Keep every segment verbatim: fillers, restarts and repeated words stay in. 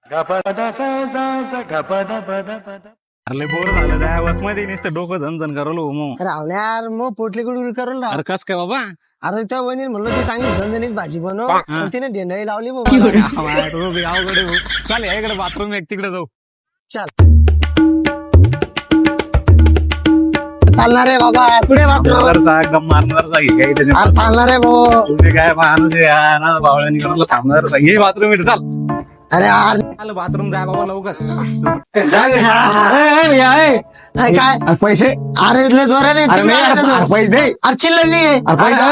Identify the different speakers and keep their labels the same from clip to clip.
Speaker 1: अरे बोर झालं त्या बस मध्ये नुसतं डोकं झनझन करलो मग.
Speaker 2: रावल्या यार मग पोटली गुडगुड करून राव.
Speaker 1: अरे कस काय बाबा.
Speaker 2: अरे त्या वहिनी म्हणलं ती चांगली झणझणीत भाजी बनव पण तिने डेंडाई लावली बघ.
Speaker 1: अवघड आहे भाऊ. चाल या इकडे बाथरूम एक तिकडे जाऊ.
Speaker 2: चल चालणार आहे बाबा पुढे बाथरूम.
Speaker 1: मारणारचा गम मारणारचा घे काही त्याच्या
Speaker 2: अरे चालणार आहे भाऊ.
Speaker 1: तुम्ही काय माणूस आहे यार, ना बावळ्यानी करायला थांबणारचा घे बाथरूम इकडे चाल.
Speaker 2: अरे यार
Speaker 1: चाल बाथरूम जाय बाबा लवकर.
Speaker 2: नाही काय
Speaker 1: अरे पैसे.
Speaker 2: अरे इथले जोराने
Speaker 1: अरे नाही, अरे अरे पैसे दे.
Speaker 2: अरे चिल्लर नाही आहे.
Speaker 1: अरे पैसे.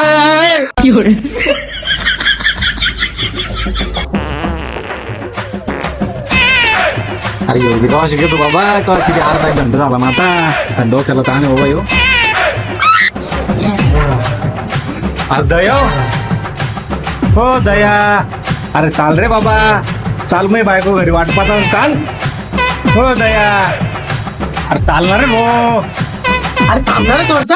Speaker 1: अरे एवढी कवा शिकतो बाबा, कवा किती अर्धा एक घंटा झाला ना आता. डोक्याला ताण आहे बाबा यो. अरे दया हो दया. अरे चाल रे बाबा चाल, मी बायको घरी वाट पाहता चाल. हो दया. अरे चालणार रे भो.
Speaker 2: अरे थांबणार आहे थोडसा.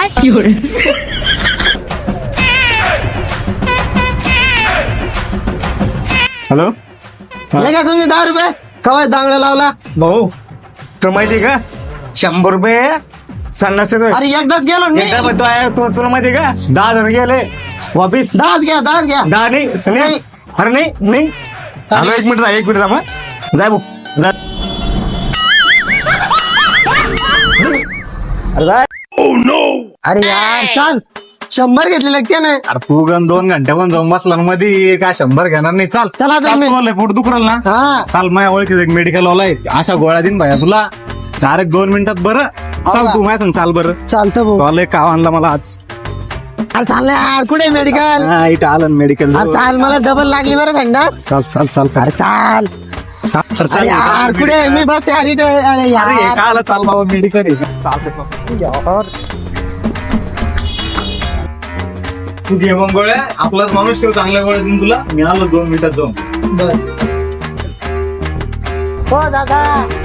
Speaker 1: हॅलो
Speaker 2: हे का तुमचे दहा रुपये कवा दांगडा लावला.
Speaker 1: भाऊ तुला माहिती का शंभर रुपये चालणार.
Speaker 2: अरे एकदाच गेलो मी.
Speaker 1: एकदा म्हणतो आहे तू, तुला माहिती का दहा हजार गेले वापिस.
Speaker 2: दहाच घ्या दहाच घ्या.
Speaker 1: दहा नाही नाही. अरे नाही नाही. हॅलो एक मिनिट राहा, एक मिनिट राहा. जाय भाऊ जा. अरे जाय.
Speaker 2: अरे यार चाल शंभर घेतले लागते ना.
Speaker 1: अरे तू गण दोन घंटे पण जाऊन बसला ना मध्ये काय शंभर घेणार नाही. चाल
Speaker 2: चला आता
Speaker 1: चाल,
Speaker 2: मी-
Speaker 1: तू लय पोट दुखरल ना.
Speaker 2: हा
Speaker 1: चाल माझ्या ओळखीचं एक मेडिकल वाला आहे, अशा गोळ्या देईन भाया तुला डायरेक्ट दोन मिनिटात. बरं चाल
Speaker 2: का?
Speaker 1: तू माझ्या सांग चाल बरं.
Speaker 2: चालतं भाऊ.
Speaker 1: तुला एक काव आणला मला आज.
Speaker 2: अरे चाललं यार कुठे मेडिकल.
Speaker 1: हा इथं आलं मेडिकल.
Speaker 2: अरे चाल मला डबल लागली बरं थंडास.
Speaker 1: चाल चाल चाल
Speaker 2: अरे चाल.
Speaker 1: चाल
Speaker 2: अरे
Speaker 1: चाल
Speaker 2: यार कुठे मी बसते अरे इथं. अरे
Speaker 1: अरे
Speaker 2: यार
Speaker 1: हे काय आलं, चाल बाबा मेडिकल आहे. चालतंय बाबा. तू घे मग गोळ्या, आपलाच माणूस ठेव, चांगल्या गोळ्या देईन तुला. मी आलो दोन मिनिटात जाऊन.
Speaker 2: हो दादा.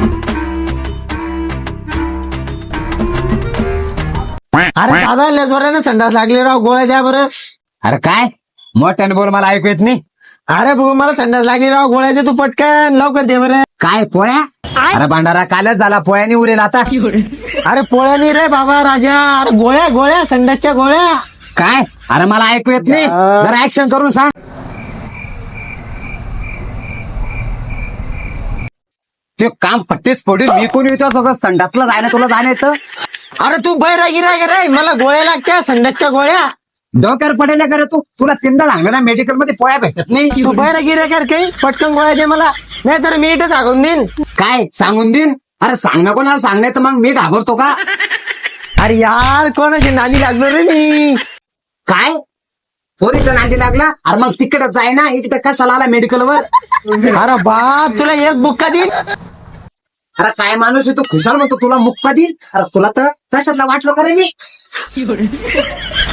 Speaker 2: अरे दादा लय जोराने संडास लागले राव गोळ्या द्या बरं.
Speaker 3: अरे काय मोठ्याने बोल, मला ऐकू येत नाही.
Speaker 2: अरे भाऊ मला संडास लागली राव गोळ्या दे तू पटकन लवकर दे बरं.
Speaker 3: काय पोळ्या. अरे भांडारा कालच झाला, पोळ्यानी उरेल आता.
Speaker 2: अरे पोळ्या नाही रे बाबा राजा. अरे गोळ्या गोळ्या संडासच्या गोळ्या.
Speaker 3: काय अरे मला ऐकू येत नाही, जरा ऍक्शन करून सांग. ते काम पट्टीच पडून मी कोणी येतो सगळं संडासला जायला तुला जाणं येतं.
Speaker 2: अरे तू बैरागी रे रे मला गोळ्या लागत्या संडासच्या गोळ्या.
Speaker 3: डोक्यावर पडेल का रे तू. तुला तीनदा सांगलं ना मेडिकल मध्ये पोळ्या भेटत नाही.
Speaker 2: तू बैरागी रे कर काही पटकन गोळ्या दे मला, नाही तर मी इथे सांगून देईन.
Speaker 3: काय सांगून देईन. अरे सांग ना कोणाला सांगणार तर मग मी घाबरतो का.
Speaker 2: अरे यार कोणाची नादी लागलो रे मी.
Speaker 3: काय पोरीचा नांदी लागला. अरे मग तिकडे जाय ना, इकडे कशाला आला मेडिकल वर.
Speaker 2: अरे बाप तुला एक बुक्का देईन.
Speaker 3: अरे काय माणूस आहे तू, खुशाल म्हणतो तुला मुक्का देईल. अरे तुला तर कशातला वाटलं का रे मी.